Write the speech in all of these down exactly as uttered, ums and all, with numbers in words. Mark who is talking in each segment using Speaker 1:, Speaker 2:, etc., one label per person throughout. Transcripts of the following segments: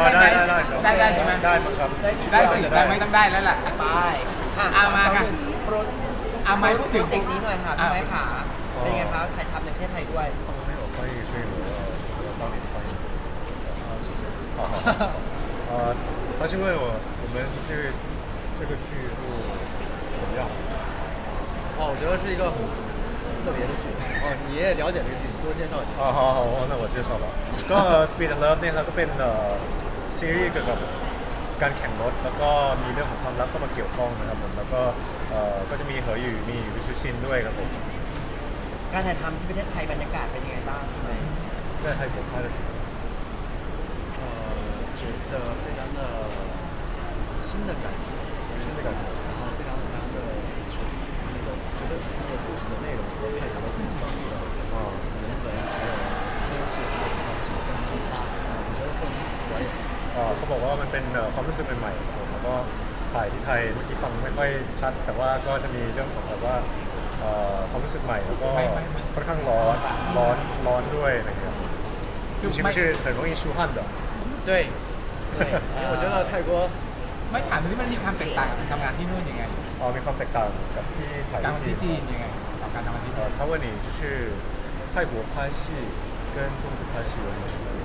Speaker 1: ได้ไหม
Speaker 2: ได้ได้
Speaker 1: ได้ได้ใช่ไหม
Speaker 2: ได้มั้งครับ
Speaker 1: ได้สิได้ไหมต้องได้แล้วล่ะ
Speaker 3: ไปอ่ะ
Speaker 1: เอามาค่ะ
Speaker 3: สองหนึ่งโปร
Speaker 1: เอาไม้พูดถึง
Speaker 3: โปรเจกต์นี้หน่อยค่ะพี่ไม้ขาเป็นไงครับถ่ายทำในประเทศไทยด้วย
Speaker 2: 他们没有翻译，所以我要我要帮你们翻译。好，谢谢。好好好。呃，他是问我我们这个这个剧录怎么样？
Speaker 4: 哦，我觉得是一个很特别的剧。哦，你也了解这个剧，你多介绍一下。
Speaker 2: 啊，好好，那我介绍了。ก็ Speed and Love เนี่ยครับก็เป็นเอ่อซีรีส์เกี่ยวกับการแข่งรถแล้วก็มีเรื่องของความรักเข้ามาเกี่ยวข้องนะครับผมแล้วก็เอ่อก็จะมีเหออยู่มีวิชุชินด้วยครับผม
Speaker 3: การถ่ายทำที่ประเทศไทยบรรยากาศเป็นยังไงบ้างพี่ไม้
Speaker 2: 在泰国拍的怎么样？
Speaker 4: 呃，觉得非常的新的感觉，
Speaker 2: 新的感觉。
Speaker 4: 然后非常非常的纯那个，觉得那个故事的内容和泰国的本地的
Speaker 2: 啊
Speaker 4: 人文还有天气还有环境非常的搭，我觉得会很符合也。
Speaker 2: เอ่อเขาบอกว่ามันเป็นเอ่อความรู้สึกใหม่ๆครับผมแล้วก็ถ่ายที่ไทยเมื่อกี้ฟังไม่ค่อยชัด แต่ว่าก็จะมีเรื่องของแบบว่าเอ่อความรู้สึกใหม่แล้วก็ค่อนข้างร้อนร้อนร้อนด้วยอะไรอย่างเงี้ย
Speaker 1: คือ
Speaker 2: 是不
Speaker 1: ไม่
Speaker 2: 是很容易出汗的？
Speaker 4: 对，对，因为我觉得泰国
Speaker 1: ไม่ถามที่มันมีความแตกต่างกับทำงานที่นู่นยังไง
Speaker 2: อ๋อมีความแตกต่างกับที่ถ่าย
Speaker 1: การ
Speaker 2: ที่
Speaker 1: ที่
Speaker 2: จี
Speaker 1: จี
Speaker 2: น
Speaker 1: นยังไงกับการทำงานที่
Speaker 2: เอ่
Speaker 1: นู่
Speaker 2: อน 他问你就是泰国拍戏跟中国拍戏有什么区别？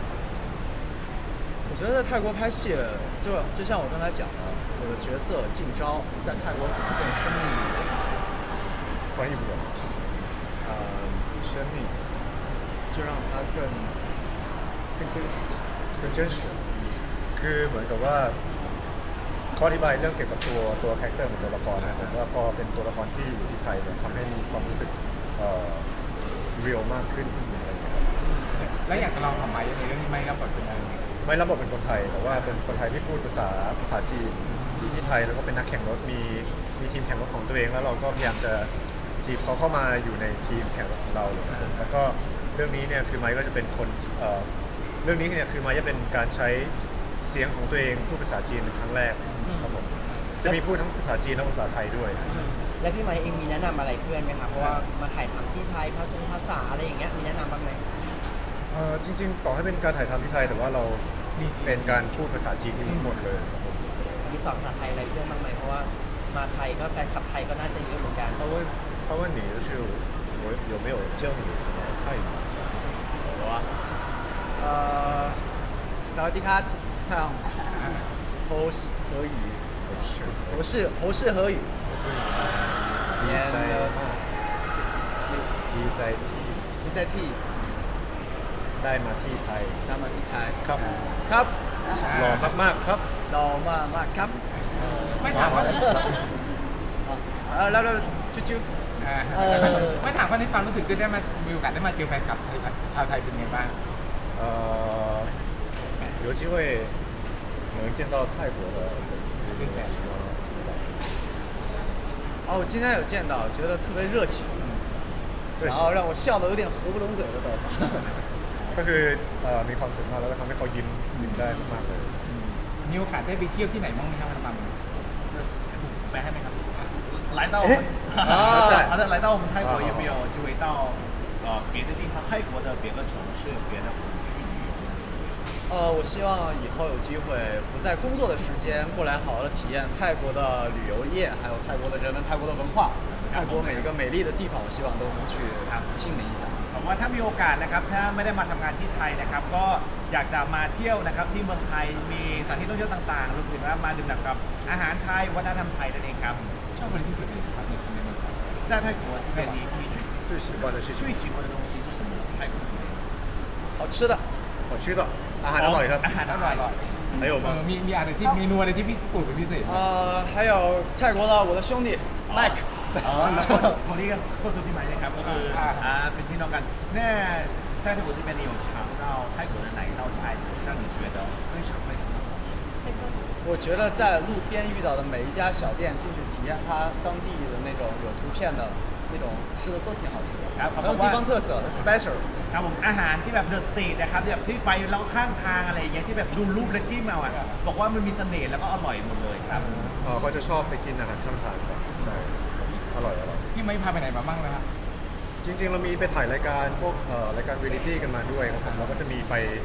Speaker 4: 我觉得在泰国拍戏，就就像我刚才讲的，我的角色进招在泰国可能更生命一点。
Speaker 2: 翻译不了是什么意思？啊、生命
Speaker 4: 就让它更更真实。
Speaker 2: 更真实คือเหมือนกับว่าเขาอธิบายเรื่องเกี่ยวกับตัวตัวคาแรคเตอร์ของตัวละครนะผมว่าพอเป็นตัวละครที่อยู่ที่ไทยเนี่ยทำให้มีความรู้สึกเอ่อเรียลมากขึ้นอะไรอย่างเงี้ยครับ
Speaker 1: แล้วอยากจะลองทำไหมในเรื่องนี้ไหมรับบทเป็นอะไร
Speaker 2: ไม่รับบทเป็นคนไทยแต่ว่าเป็นคนไทยที่พูดภาษาภาษาจีนอยู่ที่ไทยแล้วก็เป็นนักแข่งรถมีมีทีมแข่งรถของตัวเองแล้วเราก็พยายามจะจีบเขาเข้ามาอยู่ในทีมแข่งรถของเราเลยครับผมแล้วก็เรื่องนี้เนี่ยคือไมค์ก็จะเป็นคนเอ่อเรื่องนี้เนี่ยคือไมค์จะเป็นการใช้เสียงของตัวเองพูดภาษาจีนเป็นครั้งแรกครับผมจะมีพูดทั้งภาษาจีนและภาษาไทยด้วย
Speaker 3: และพี่ไม้เองมีแนะนำอะไรเพื่อนไหมครับเพราะว่ามาถ่ายทำที่ไทยภาษาภาษาอะไรอย่างเงี้ยมีแนะนำบ้างไหม
Speaker 2: เอ่อจริงๆต่อให้เป็นการถ่ายทำที่ไทยแต่ว่าเราเป็นการพูดภาษาจีนที่ทั้งหมดเลยครับผม
Speaker 3: มีสอนภาษาไทยอะไรเพื่อนบ้างไหมเพราะว่ามาไทยก็แฟนคลับไทยก็น่าจะเยอะเหมือนกัน
Speaker 2: 他问他问你就是我有没有教你什么泰语？
Speaker 4: 有啊。呃，萨瓦迪卡唱侯氏河语，
Speaker 2: 不是，
Speaker 4: 侯氏侯氏河语。
Speaker 2: ดีใจมากดีใจที่
Speaker 4: 你在替
Speaker 2: ได้มาที่ไทย
Speaker 4: 他们替台。
Speaker 2: ครับ
Speaker 4: ครับ
Speaker 2: หล่อมากๆครับ
Speaker 4: เรามามาครับ
Speaker 1: ไม่ถามว่า
Speaker 4: เออแล้วแล้วจุ๊จุ๊
Speaker 1: เออไม่ถามว่าในความรู้สึกที่ได้มามีโอกาสได้มาเจอแฟนคลับไทยชาวไทยเป็นไงบ้าง
Speaker 2: 呃有机会能见到泰国的粉丝有什么什么感觉？
Speaker 4: 哦，我今天有见到，觉得特别热情，
Speaker 2: 热情
Speaker 4: 然后让我笑得有点合不拢嘴了都。
Speaker 2: ก็คือเอ่อมีความสุขมากแล้วก็ทำให้เขายิ้มยิ้มได้มากๆเลย
Speaker 1: มีโอกาสได้ไปเที่ยวที่ไหนบ้างไหมครับมาไปให้ไหมครับ
Speaker 5: 来到我们
Speaker 4: 啊
Speaker 5: 好的，来到我们泰国有没有机会到呃别的地方，泰国的别的城市、别的府去旅游？
Speaker 4: 呃，我希望以后有机会不在工作的时间过来好好的体验泰国的旅游业，还有泰国的人文、泰国的文化，泰国每一个美丽的地方，我希望都能去亲临一下。
Speaker 5: ผมว่าถ้ามีโอกาสนะครับถ้าไม่ได้มาทำงานที่ไทยนะครับ ก็อยากจะมาเที่ยวนะครับที่เมืองไทยมีสถานที่ท่องเที่ยวต่างๆรวมถึงว่ามาดื่มด่ำกับอาหารไทยวัฒนธรรมไทยนั่นเองครับ
Speaker 1: ชอบอะไรที่สุดเลยครับในในเมืองไทย
Speaker 5: 在泰国这边你你最
Speaker 2: 最喜欢的是
Speaker 5: 最喜欢的东西是什么？泰国这边
Speaker 4: 好吃的，
Speaker 2: 好吃的อาหารอร่อยครับ
Speaker 5: อาหารอร่อย
Speaker 2: 还有
Speaker 1: เอ
Speaker 2: 吗
Speaker 1: อมีมีอะไรที่เมนูอะไรที่พี่ปลูกเป็นพิเศษไหม
Speaker 4: 呃，还有泰国的我的兄弟 Mike。
Speaker 5: อ๋อแล้วก็คนนี้ก็คือพี่ไม้นะครับก็คืออ่าเป็นพี่น้องกันแน่在泰国这边你有尝到泰国的哪一道菜让你觉得非常非常的好吃？
Speaker 4: 我觉得在路边遇到的每一家小店，进去体验它当地的那种有图片的那种吃的都挺好吃的，很有地方特色，special。
Speaker 5: ครับผมอาหารที่แบบเดอะสตรีทนะครับแบบที่ไปแล้วข้างทางอะไรอย่างเงี้ยที่แบบดูรูปแล้วจิ้มเอาอ่ะบอกว่ามันมีเสน่ห์แล้วก็อร่อยหมดเลยครับ
Speaker 2: เออเขาจะชอบไปกินอาหารข้างทางครับใช่อร่อยอร่อย
Speaker 1: พี่ไม่พาไปไหนมาบ้างนะครับ
Speaker 2: จริงๆ เรามีไปถ่ายรายการพวกเอ่อรายการเรียลิตี้กันมาด้วยครับผมเราก็จะมีไป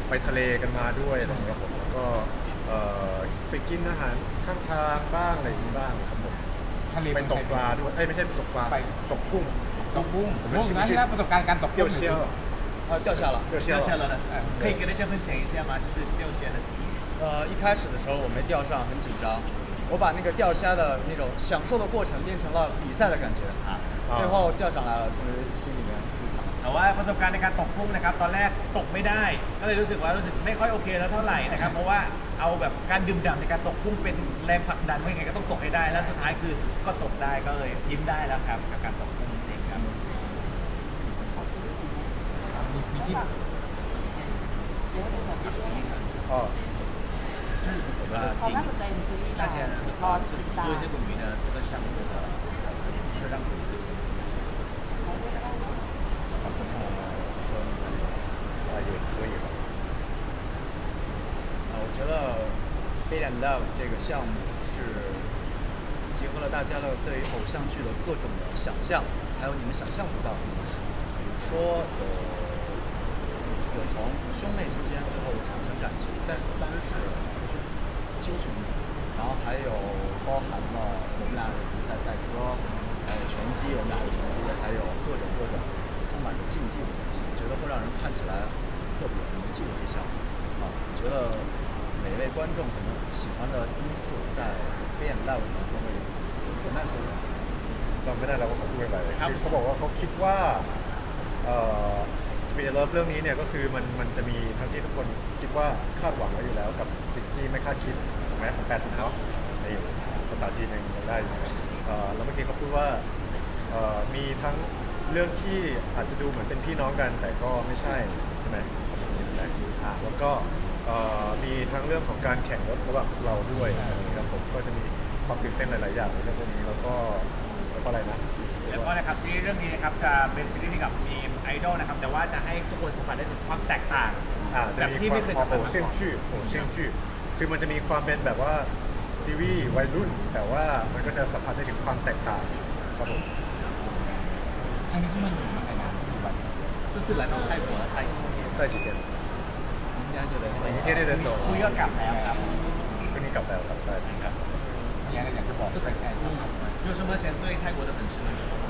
Speaker 2: ไปทะเลกันมาด้วยอะไรอย่างเงี้ยผมแล้วก็เอ่อไปกินอาหารข้างทางบ้างอะไรอย่างนี้บ้างครับผม
Speaker 1: ทะเล
Speaker 2: ไปตกปลาด้วยเอ้ยไม่ใช่ตกปลา
Speaker 1: ไป
Speaker 2: ตกกุ้ง
Speaker 1: ตกกุ้ง
Speaker 2: ผม
Speaker 1: โอ้
Speaker 2: ชิม
Speaker 1: นะที่รับประสบการณ์การตก
Speaker 2: เดี่ยว
Speaker 1: กุ้ง
Speaker 2: เชี่ยว
Speaker 4: 呃，掉下了。
Speaker 2: เดี่ยวเชี่ยว
Speaker 5: 掉下了呢，可以跟大家分享一下吗？就是钓虾的体验。
Speaker 4: 呃，一开始的时候我没钓上，很紧张。我把那个钓虾的那种享受的过程变成了比赛的感觉，
Speaker 5: 啊
Speaker 4: 最后钓上来了，就是心里面舒坦。
Speaker 5: แต่ว่าประสบการณ์ในการตกกุ้งนะครับตอนแรกตกไม่ได้ ก็เลยรู้สึกว่ารู้สึกไม่ค่อยโอเคแล้วเท่าไหร่นะครับเพราะว่าเอาแบบการดื่มด่ำในการตกกุ้งเป็นแรงผลักดันว่ายังไงก็ต้องตกให้ได้แล้วสุดท้ายคือก็ตกได้ก็เลยยิ้มได้แล้วครับกับการตกกุ้งนั่นเองครับ
Speaker 1: มีมีที่
Speaker 2: อ๋อ
Speaker 5: 就是我们的
Speaker 6: เขา
Speaker 5: 经
Speaker 6: น่าสนใจในซีรีส์
Speaker 5: 大
Speaker 6: เรา
Speaker 5: 家呢
Speaker 6: รอ
Speaker 5: 呃就
Speaker 6: ติ
Speaker 5: 是
Speaker 6: ดตา
Speaker 5: 说
Speaker 6: ม
Speaker 5: 一些关于呢这个项目的会让粉丝
Speaker 2: 说啊也可以吧
Speaker 4: 啊，我觉得 Speed and Love 这个项目是结合了大家的对于偶像剧的各种的想象，还有你们想象不到的东西，比如说有有从兄妹之间最后产生感情，但是当然是不是亲兄弟，然后还有包含了我们俩的比赛赛车，还有拳击，我们俩的拳击，还有各种各种充满着竞技的东西，我觉得会让人看起来特别能记住这项目啊，我觉得每位观众可能喜欢的因素在 Speed and Love 里面都会简单说一下。
Speaker 2: จำไม่ได้แล้วว่าเขาพูดอะไรคือเขาบอกว่าเขาคิดว่าเอ่อ Speed Love เรื่องนี้เนี่ยก็คือมันมันจะมีทั้งที่ทุกคนคิดว่าคาดหวังไว้อยู่แล้วกับสิ่งที่ไม่คาดคิดถูกไหมของแปดสิบเนาะในภาษาจีนยังยังได้อยู่นะเอ่อแล้วเมื่อกี้เขาพูดว่าเอ่อมีทั้งเรื่องที่อาจจะดูเหมือนเป็นพี่น้องกัน แต่ก็ไม่ใช่ใช่ไหมเขาพูดอย่างนี้นะอ่าแล้วก็เอ่อมีทั้งเรื่องของการแข่งรถระหว่างเราด้วยนะครับผมก็จะมีความตื่นเต้นหลาย ๆ อย่างในเรื่องพวกนี้แล้วก็แล้วก็อะไรนะ
Speaker 5: แล้วก็นะครับซีรีส์เรื่องนี้นะครับจะเป็นซีรีส์ที่กับทีมไอดอลนะครับแต่ว่าจะให้ทุกคนสัมผัสได้ถึงความแตกต่าง
Speaker 2: อ่า
Speaker 5: แบ
Speaker 2: จะ
Speaker 5: บ
Speaker 2: มี
Speaker 5: ที่
Speaker 2: ควา
Speaker 5: ไม่
Speaker 2: ม
Speaker 5: เคย
Speaker 2: โอ
Speaker 5: สัมผัส
Speaker 2: โห
Speaker 5: มา
Speaker 2: เซี่ยง
Speaker 5: ก่อน
Speaker 2: จื้อโอเซี่ยงจื้อคือมันจะมีความเป็นแบบว่าซีรีส์วัยรุ่น แต่ว่ามันก็จะสัมผัสได้ถึงความแตกต่างครับผม
Speaker 1: ครั้งนี้ที่มันอยู่มาไทยนานกี่วัน
Speaker 5: 这次来到泰国待几天
Speaker 2: ได้จีเกน
Speaker 4: 明天就得走
Speaker 2: 明天就得走
Speaker 5: คุยก็กลับแล้วครับ
Speaker 2: ก็นี่กลับแล้วครับใช่ครับ
Speaker 1: มีอะไรอยากจะบอกแฟนๆครับ
Speaker 5: 有什么想对泰国的粉丝们说吗？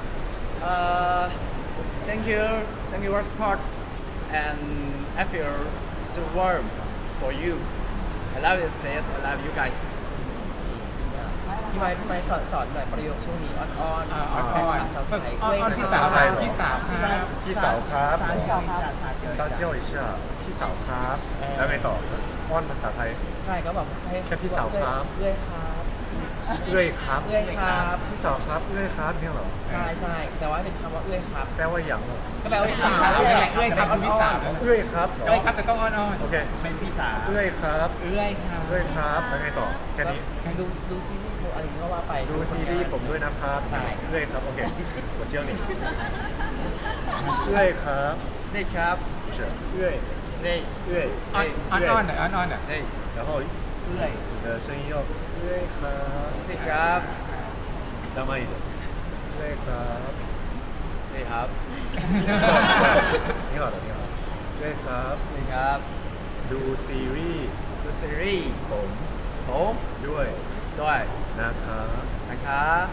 Speaker 4: Uh, thank you, thank you for support, and I feel so warm for you. I love this place. I love you guys.
Speaker 3: พี่ไม้พี่ไม้สอนสอนหน่อยประโยคช่วงนี้อ้อนๆ
Speaker 1: อ่า
Speaker 3: อ้อน
Speaker 1: อ่อน
Speaker 3: ๆชาวไทย
Speaker 1: อ่อนอ่อนพี่สาวพี่สาวครับ
Speaker 2: พี่สาวครับ
Speaker 5: 撒娇一下，撒娇一
Speaker 2: ซา
Speaker 5: 下
Speaker 2: เจียวอิชาพี่สาวครับ แล้วไงต่ออ้อนภาษาไทย
Speaker 3: ใช่ก็แบบให้
Speaker 2: แค่พี่สาวครับ
Speaker 3: เอื้อยครับ
Speaker 2: เอื้อยครับ
Speaker 3: เอื้อยครับ
Speaker 2: พี่สาวครับเอื้อยครับเนี่ยเหรอ
Speaker 3: ใช่ใช่แต่ว่าเป็นคำว่าเอื้อยครับ
Speaker 2: แปลว่าอย่างเหรอ
Speaker 3: ก็แปลว่าพี่สาว
Speaker 1: เอื้อยเอื้อยครับคุณพี่สาว
Speaker 2: เอื้อยครับเหรอ
Speaker 1: เอื้อยครับแต่ต้องอ่อน
Speaker 2: โอเค
Speaker 5: เป็นพี่สาว
Speaker 2: เอื้อยครับ
Speaker 1: ๆเอื้อยครับ
Speaker 2: เอื้อยครับแล้วไงต่อแค่นี้
Speaker 3: ก็ดูดูซีรีส์ดูอะไรอย่างเงี้ยก็ว่าไป
Speaker 2: ดูซีรีส์ผมด้วยนะครับ
Speaker 3: ใช่
Speaker 2: เอื้อยครับโอเค我教你เอื้อยครับ
Speaker 4: 内 crab，
Speaker 2: 不是เอื้อย
Speaker 4: 内
Speaker 2: เอื้อย
Speaker 1: อ่อนอ่อนอ่อนหน่อยอ่อนอ่อนหน่อย
Speaker 4: 内
Speaker 2: 然后
Speaker 5: เอื้อย
Speaker 2: 你的声音要เอื้อยครับ
Speaker 4: 内 crab，
Speaker 2: 浪漫一点เอื้อยครับ
Speaker 4: 内 crab，
Speaker 2: 挺好的挺好เอื้อยครับ
Speaker 4: 内 crab。
Speaker 2: ดูซีรีส์
Speaker 4: ดูซีรีส์
Speaker 2: ผม
Speaker 4: ผม
Speaker 2: ด้วย
Speaker 4: ด้วย
Speaker 2: นะครับ
Speaker 4: นะคะ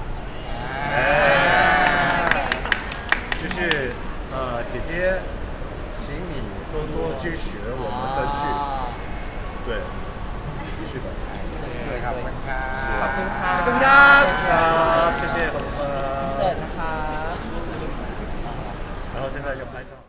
Speaker 2: 就是呃姐姐请你多多支持我们的剧对是的
Speaker 1: เลยครับขอบคุณครับ
Speaker 3: ขอบคุณค่ะ
Speaker 4: ขอบคุณครับ
Speaker 2: ครับ谢谢ขอบคุณครั
Speaker 3: อิน
Speaker 2: บ
Speaker 3: เสิร์ตนะคะ
Speaker 2: 然后现在就拍照